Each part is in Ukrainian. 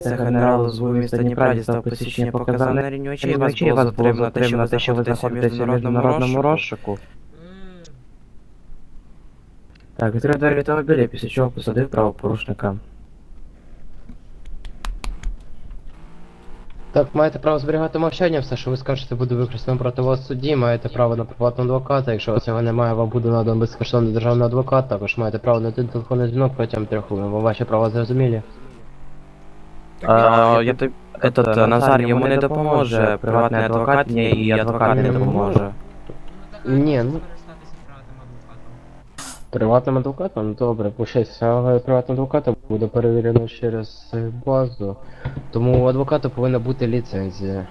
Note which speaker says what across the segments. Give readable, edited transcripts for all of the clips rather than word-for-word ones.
Speaker 1: Це генерал з міста Дніпра дістав посвідчення, показав на рівні очей, вас було затримано те, що ви знаходитеся в міжнародному розшуку. Так, відкрив двері автомобіля, після чого посадив правопорушника.
Speaker 2: Так, маєте право зберігати мовчання, все, що ви скажете, буде використано проти вас в суді, маєте право на приватного адвоката, якщо цього немає, вам буде надан безкоштовний державний адвокат, також маєте право на один телефонний дзвінок протягом 3 хвилин. Вам ваші права зрозумілі?
Speaker 1: Назар йому не допоможе, приватний адвокат ні, і адвокат не допоможе.
Speaker 2: Ні, ну... Приватним адвокатом? Ну, добре, пущайся, але приватним адвокатом буде перевірено через базу, тому у адвоката повинна бути ліцензія.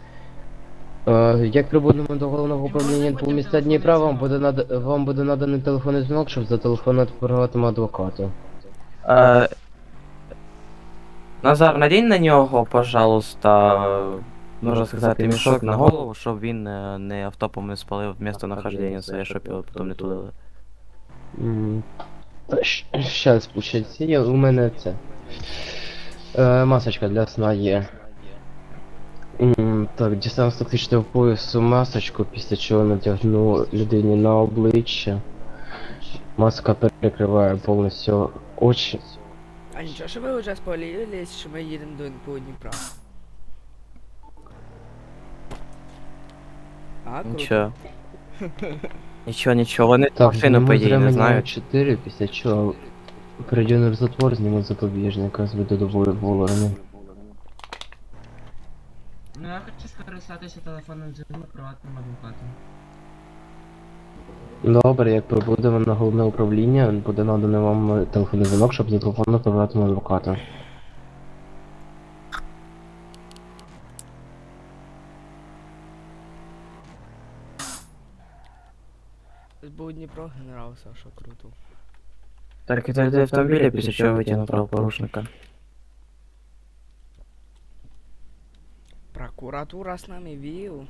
Speaker 2: Як прибудемо до головного управління НПУ міста Дніпра, вам буде наданий телефонний дзвінок, щоб зателефонувати приватному адвокату.
Speaker 1: Назар, надінь на нього, пожалуйста, можна сказати, мішок на голову, щоб він не автопом не спалив місто нахождення своє, щоб його потім не тулили.
Speaker 2: Щас пущаться, є, у мене це. Масочка для сна є. Так, дістану з тактичного поясу масочку, після чого натягну людині на обличчя. Маска перекриває повністю очі.
Speaker 3: А нічого, що ви вже спалились, що ми їдемо до НПУ Дніпра? А, круто.
Speaker 1: Нічого, вони
Speaker 2: Так,
Speaker 1: машину по ідеї не знають.
Speaker 2: 4, після чого перейдемо в затвор, зніму запобіжника, зведу до вологи.
Speaker 4: Ну я хочу скористатися телефоном дзвінком приватним адвокатом.
Speaker 2: Добре, як прибудемо на головне управління, буде наданий вам телефонний дзвінок, щоб зателефонувати приватному адвокату.
Speaker 3: СБУ Дніпро, генерал Саша, круто.
Speaker 1: Так, відійди автомобіля, після чого витягнув правопорушника.
Speaker 3: Прокуратура с нами, вил.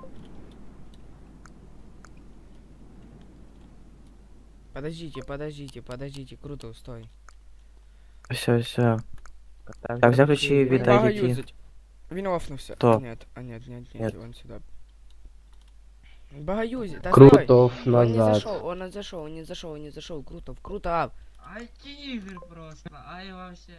Speaker 3: Подождите, круто, стой.
Speaker 1: Все. Так, взяв ключі і віддайте.
Speaker 3: Він офнувся.
Speaker 1: Кто?
Speaker 3: Нет,
Speaker 1: Нет.
Speaker 3: он сюда. Багаюзит, да
Speaker 2: Крутов
Speaker 3: стой! Он не
Speaker 2: назад.
Speaker 3: зашел, круто, ап.
Speaker 4: Ай тигр просто, ай вообще.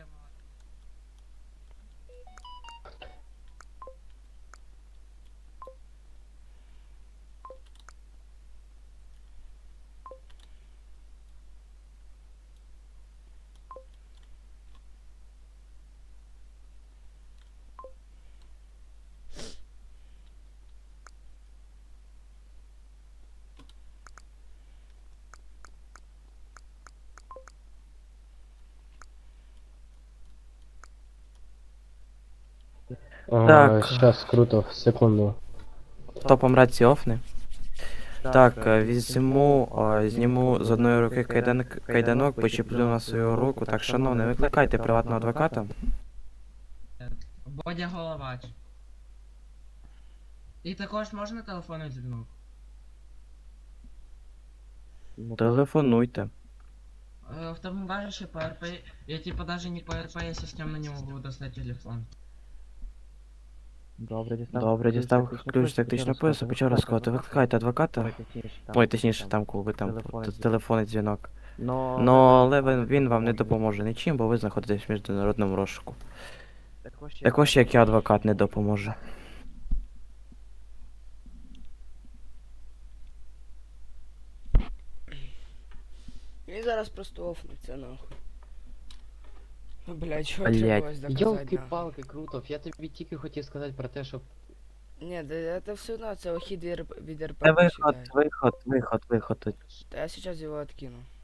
Speaker 1: Так.
Speaker 2: Щас, Крутов, секунду.
Speaker 1: Топом рації офни. Так, зніму з одної руки кайданок, почеплю на свою руку. Так, шановний, викликайте приватного адвоката.
Speaker 4: Бодя Головач. І також можна телефонний дзвінок?
Speaker 1: Телефонуйте.
Speaker 4: В тому бажаще по РП, я типа даже не по РП, если с ним на него буду достать телефон.
Speaker 1: Добре, дістав ключ з тактичного поясу, почав розказувати. Викликайте адвоката. Ой, точніше, там, коли ви там телефонний дзвінок. Але він вам не допоможе нічим, бо ви знаходитесь в міжнародному розшуку. Також як і адвокат не допоможе.
Speaker 3: Він зараз просто офнуться, нахуй. Ну, блядь, чого
Speaker 1: Блядь.
Speaker 3: требовалось доказать, нахуй?
Speaker 2: Йолки-палки, Крутов, я тобі тільки хотів сказати про те, щоб...
Speaker 3: Ні, да это все равно, це ухід від РП
Speaker 1: Це
Speaker 3: не считай.
Speaker 1: виход.
Speaker 3: Та я сейчас його откину.